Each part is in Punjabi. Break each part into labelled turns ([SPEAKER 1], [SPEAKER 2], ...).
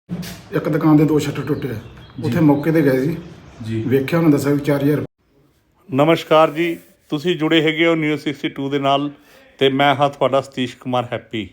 [SPEAKER 1] ਇੱਕ ਦੁਕਾਨ ਦੇ 2 ਸ਼ਟਰ ਟੁੱਟੇ ਆ। ਉੱਥੇ ਮੌਕੇ ਤੇ ਗਏ ਸੀ ਜੀ, ਵੇਖਿਆ ਉਹਨਾਂ ਦੱਸਿਆ 4000।
[SPEAKER 2] ਨਮਸਕਾਰ ਜੀ, ਤੁਸੀਂ ਜੁੜੇ ਹੈਗੇ ਹੋ ਨਿਊਜ਼ 62 ਦੇ ਨਾਲ ਤੇ ਮੈਂ ਹਾਂ ਤੁਹਾਡਾ ਸਤੀਸ਼ ਕੁਮਾਰ ਹੈਪੀ।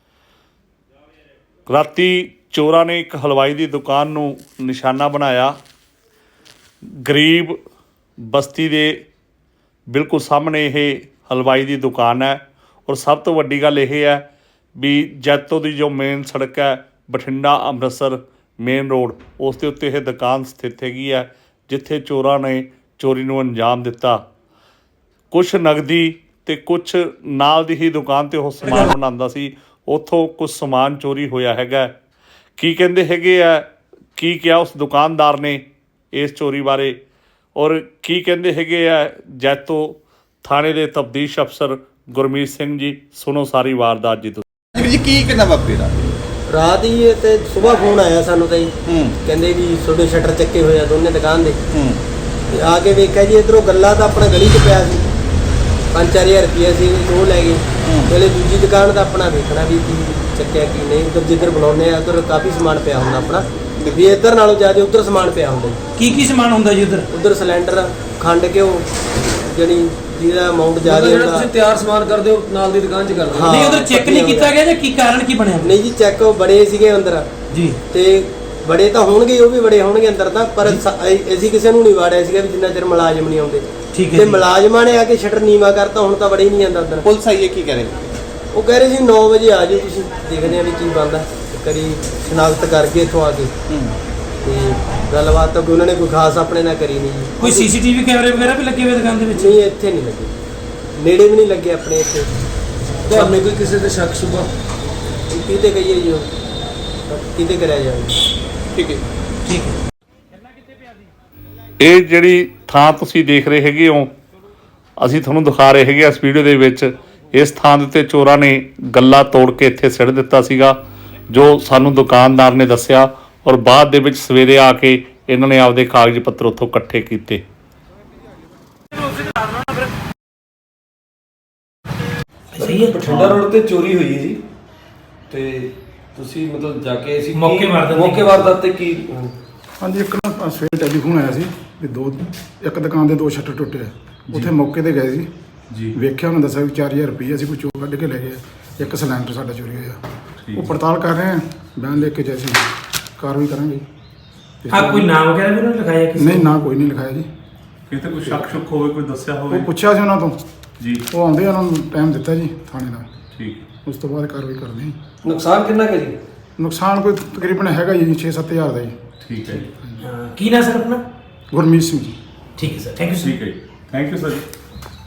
[SPEAKER 2] ਰਾਤੀ ਚੋਰਾਂ ਨੇ ਇੱਕ ਹਲਵਾਈ ਦੀ ਦੁਕਾਨ ਨੂੰ ਨਿਸ਼ਾਨਾ ਬਣਾਇਆ। ਗਰੀਬ ਬਸਤੀ ਦੇ ਬਿਲਕੁਲ ਸਾਹਮਣੇ ਇਹ ਹਲਵਾਈ ਦੀ ਦੁਕਾਨ ਹੈ ਔਰ ਸਭ ਤੋਂ ਵੱਡੀ ਗੱਲ ਇਹ ਹੈ ਵੀ ਜੈਤੋ ਦੀ ਜੋ ਮੇਨ ਸੜਕ ਹੈ ਬਠਿੰਡਾ ਅੰਮ੍ਰਿਤਸਰ ਮੇਨ ਰੋਡ, ਉਸ ਦੇ ਉੱਤੇ ਇਹ ਦੁਕਾਨ ਸਥਿਤ ਹੈਗੀ ਹੈ ਜਿੱਥੇ ਚੋਰਾਂ ਨੇ ਚੋਰੀ ਨੂੰ ਅੰਜਾਮ ਦਿੱਤਾ। ਕੁਛ ਨਗਦੀ ਤੇ ਕੁਛ ਨਾਲ ਦੀ ਹੀ ਦੁਕਾਨ ਤੇ ਉਹ ਸਮਾਨ ਬਣਾਉਂਦਾ ਸੀ, ਉੱਥੋਂ ਕੁਛ ਸਮਾਨ ਚੋਰੀ ਹੋਇਆ ਹੈਗਾ। ਕੀ ਕਹਿੰਦੇ ਹੈਗੇ ਆ, ਕੀ ਕਿਹਾ ਉਸ ਦੁਕਾਨਦਾਰ ਨੇ ਇਸ ਚੋਰੀ ਬਾਰੇ ਔਰ ਕੀ ਕਹਿੰਦੇ ਹੈਗੇ ਆ ਜੈਤੋ ਥਾਣੇ ਦੇ ਤਫਤੀਸ਼ ਅਫਸਰ ਗੁਰਮੀਤ ਸਿੰਘ ਜੀ, ਸੁਣੋ ਸਾਰੀ ਵਾਰਦਾਤ ਜੀ।
[SPEAKER 3] ਜੀ ਕੀ ਕਿੰਨਾ ਵਾਪਰੀ
[SPEAKER 4] ਰਾਤ ਹੀ ਤੇ ਸਵੇਰ ਫੋਨ ਆਇਆ ਸਾਨੂੰ ਤਾਂ ਜੀ, ਕਹਿੰਦੇ ਵੀ ਤੁਹਾਡੇ ਸ਼ਟਰ ਚੱਕੇ ਹੋਏ ਆ ਦੋਨੇ ਦੁਕਾਨ ਦੇ। ਤੇ ਆ ਕੇ ਵੇਖਿਆ ਜੀ ਇਧਰੋਂ ਗੱਲਾ ਤਾਂ ਆਪਣਾ ਗਲੀ 'ਚ ਪਿਆ ਸੀ, 5-4000 ਰੁਪਏ ਸੀ ਉਹ ਲੈ ਗਏ। ਪਹਿਲੇ ਦੂਜੀ ਦੁਕਾਨ ਦਾ ਆਪਣਾ ਵੇਖਣਾ ਵੀ ਕੀ ਚੱਕਿਆ ਕੀ ਨਹੀਂ। ਉਧਰ ਜਿੱਧਰ ਬਣਾਉਂਦੇ ਆ ਉਧਰ ਕਾਫੀ ਸਮਾਨ ਪਿਆ ਹੁੰਦਾ ਆਪਣਾ, ਵੀ ਇੱਧਰ ਨਾਲੋਂ ਜ਼ਿਆਦਾ ਉਧਰ ਸਮਾਨ ਪਿਆ ਹੁੰਦਾ ਜੀ।
[SPEAKER 5] ਕੀ ਸਮਾਨ ਹੁੰਦਾ ਜੀ ਉਧਰ?
[SPEAKER 4] ਉਧਰ ਸਿਲੰਡਰ, ਖੰਡ ਘਿਓ, ਜਿਹੜੀ ਜਿਹਦਾ ਅਮਾਉਂਟ ਜ਼ਿਆਦਾ ਹੁੰਦਾ।
[SPEAKER 5] ਤੁਸੀਂ ਤਿਆਰ ਸਮਾਨ ਕਰਦੇ ਹੋ ਨਾਲ ਦੀ ਦੁਕਾਨ 'ਚ ਕਰਦੇ ਹੋ? ਨਹੀਂ ਉਧਰ ਚੈੱਕ ਨਹੀਂ ਕੀਤਾ ਗਿਆ ਜਾਂ ਕੀ ਕਾਰਨ ਕੀ ਬਣਿਆ?
[SPEAKER 4] ਨਹੀਂ ਜੀ, ਚੈੱਕ ਬੜੇ ਸੀਗੇ ਅੰਦਰ
[SPEAKER 5] ਜੀ, ਤੇ
[SPEAKER 4] ਬੜੇ ਤਾਂ ਹੋਣਗੇ, ਉਹ ਵੀ ਬੜੇ ਹੋਣਗੇ ਅੰਦਰ ਤਾਂ, ਪਰ ਅਸੀਂ ਕਿਸੇ ਨੂੰ ਨਹੀਂ ਵਾੜਿਆ ਸੀਗਾ ਵੀ ਜਿੰਨਾ ਚਿਰ ਮੁਲਾਜ਼ਮ ਨਹੀਂ ਆਉਂਦੇ।
[SPEAKER 5] ਠੀਕ ਹੈ।
[SPEAKER 4] ਤੇ ਮੁਲਾਜ਼ਮਾਂ ਨੇ ਆ ਕੇ ਸ਼ਟਰ ਨੀਵਾ ਕਰਤਾ, ਹੁਣ ਤਾਂ ਬੜੇ ਹੀ ਨਹੀਂ ਜਾਂਦਾ ਅੰਦਰ।
[SPEAKER 3] ਪੁਲਿਸ ਆਈ ਹੈ, ਕੀ ਕਰੇ?
[SPEAKER 4] ਉਹ ਕਹਿ ਰਹੇ ਸੀ 9 ਵਜੇ ਆ ਜਾਓ, ਤੁਸੀਂ ਦੇਖਦੇ ਆ ਵੀ ਕੀ ਬਣਦਾ। ਕਰੀ ਸ਼ਨਾਖਤ ਕਰਕੇ ਇੱਥੋਂ ਆ ਕੇ ਤੇ ਗੱਲਬਾਤ ਤਾਂ ਉਹਨਾਂ ਨੇ ਕੋਈ ਖਾਸ ਆਪਣੇ ਨਾਲ ਕਰੀ ਨਹੀਂ ਜੀ।
[SPEAKER 5] ਕੋਈ ਸੀਸੀਟੀਵੀ ਕੈਮਰੇ ਵਗੈਰਾ ਵੀ ਲੱਗੇ ਹੋਏ ਦੁਕਾਨ ਦੇ ਵਿੱਚ?
[SPEAKER 4] ਨਹੀਂ, ਇੱਥੇ ਨਹੀਂ ਲੱਗੇ, ਨੇੜੇ ਵੀ ਨਹੀਂ ਲੱਗੇ ਆਪਣੇ ਇੱਥੇ।
[SPEAKER 5] ਤੁਹਾਨੂੰ ਕੋਈ ਕਿਸੇ ਤੇ ਸ਼ੱਕ ਸ਼ੁਬਾ?
[SPEAKER 4] ਕਿਤੇ ਕਹੀਏ ਜੀ, ਕਿਤੇ ਕਰਿਆ ਜਾਵੇ।
[SPEAKER 3] ਠੀਕ ਹੈ,
[SPEAKER 5] ਠੀਕ ਹੈ।
[SPEAKER 2] ਇਹ ਜਿਹੜੀ ਥਾਂ ਤੁਸੀਂ ਦੇਖ ਰਹੇ ਹੈਗੇ ਹੋ, ਅਸੀਂ ਤੁਹਾਨੂੰ ਦਿਖਾ ਰਹੇ ਹੈਗੇ ਇਸ ਵੀਡੀਓ ਦੇ ਵਿੱਚ। ਇਸ ਥਾਂ ਦੇ ਉੱਤੇ ਚੋਰਾਂ ਨੇ ਗੱਲਾ ਤੋੜ ਕੇ ਇੱਥੇ ਸਿੱਟ ਦਿੱਤਾ ਸੀਗਾ, ਜੋ ਸਾਨੂੰ ਦੁਕਾਨਦਾਰ ਨੇ ਦੱਸਿਆ ਔਰ ਬਾਅਦ ਦੇ ਵਿੱਚ ਸਵੇਰੇ ਆ ਕੇ ਇਹਨਾਂ ਨੇ ਆਪਦੇ ਕਾਗਜ਼ ਪੱਤਰ ਉੱਥੋਂ ਇਕੱਠੇ ਕੀਤੇ।
[SPEAKER 5] ਸਹੀ ਹੈ।
[SPEAKER 6] ਬਠਿੰਡਾ ਰੋਡ ਤੇ ਚੋਰੀ ਹੋਈ ਹੈ ਜੀ, ਤੇ ਤੁਸੀਂ ਮਤਲਬ ਜਾ ਕੇ ਅਸੀਂ
[SPEAKER 5] ਮੌਕੇ
[SPEAKER 6] ਵਾਰਦਾਤ ਤੇ ਕੀ?
[SPEAKER 1] ਹਾਂਜੀ, ਇੱਕ ਨਾ ਸਵੇਰੇ ਟੈਲੀਫੋਨ ਆਇਆ ਸੀ ਵੀ ਇੱਕ ਦੁਕਾਨ ਦੇ 2 ਸ਼ਟਰ ਟੁੱਟੇ ਆ। ਉੱਥੇ ਮੌਕੇ ਤੇ ਗਏ ਸੀ ਜੀ, ਵੇਖਿਆ ਉਹਨਾਂ ਦੱਸਿਆ 4000 ਰੁਪਏ ਅਸੀਂ ਕੋਈ ਚੋਰ ਕੱਢ ਕੇ ਲੈ ਗਏ। ਇੱਕ ਸਿਲੰਡਰ ਸਾਡਾ ਚੋਰੀ ਹੋਇਆ। ਉਹ ਪੜਤਾਲ ਕਰ ਰਹੇ ਆ, ਬਿਆਨ ਲਿਖ ਕੇ ਜੈਸੀ ਕਾਰਵਾਈ ਕਰਾਂਗੇ।
[SPEAKER 5] ਕੋਈ ਨਾਮ ਵਗੈਰਾ ਵੀ ਨਹੀਂ ਲਿਖਾਇਆ ਕਿਸੇ?
[SPEAKER 1] ਨਹੀਂ, ਨਾ ਕੋਈ ਨਹੀਂ ਲਿਖਾਇਆ ਜੀ।
[SPEAKER 2] ਕਿਤੇ ਕੋਈ ਸ਼ੱਕ ਸ਼ੁਕ ਹੋਵੇ, ਕੋਈ ਦੱਸਿਆ ਹੋਵੇ?
[SPEAKER 1] ਉਹ ਪੁੱਛਿਆ ਸੀ ਉਹਨਾਂ ਤੋਂ
[SPEAKER 2] ਜੀ,
[SPEAKER 1] ਉਹ ਆਉਂਦੇ, ਉਹਨਾਂ ਨੂੰ ਟਾਈਮ ਦਿੱਤਾ ਜੀ ਥਾਣੇ ਦਾ।
[SPEAKER 2] ਠੀਕ।
[SPEAKER 1] ਉਸ ਤੋਂ ਬਾਅਦ ਕਾਰਵਾਈ ਕਰਦੇ ਹਾਂ।
[SPEAKER 6] ਨੁਕਸਾਨ ਕਿੰਨਾ ਕੁ ਜੀ?
[SPEAKER 1] ਨੁਕਸਾਨ ਕੋਈ ਤਕਰੀਬਨ ਹੈਗਾ ਜੀ 6-7 ਹਜ਼ਾਰ ਦਾ ਜੀ।
[SPEAKER 2] ਠੀਕ ਹੈ ਜੀ,
[SPEAKER 5] ਕੀ ਨਾ ਸਰ ਆਪਣਾ?
[SPEAKER 1] ਗੁਰਮੀਤ ਸਿੰਘ ਜੀ।
[SPEAKER 5] ਠੀਕ ਹੈ ਸਰ, ਥੈਂਕ ਯੂ ਸਰ।
[SPEAKER 2] ਠੀਕ ਹੈ ਜੀ, ਥੈਂਕ ਯੂ ਸਰ ਜੀ।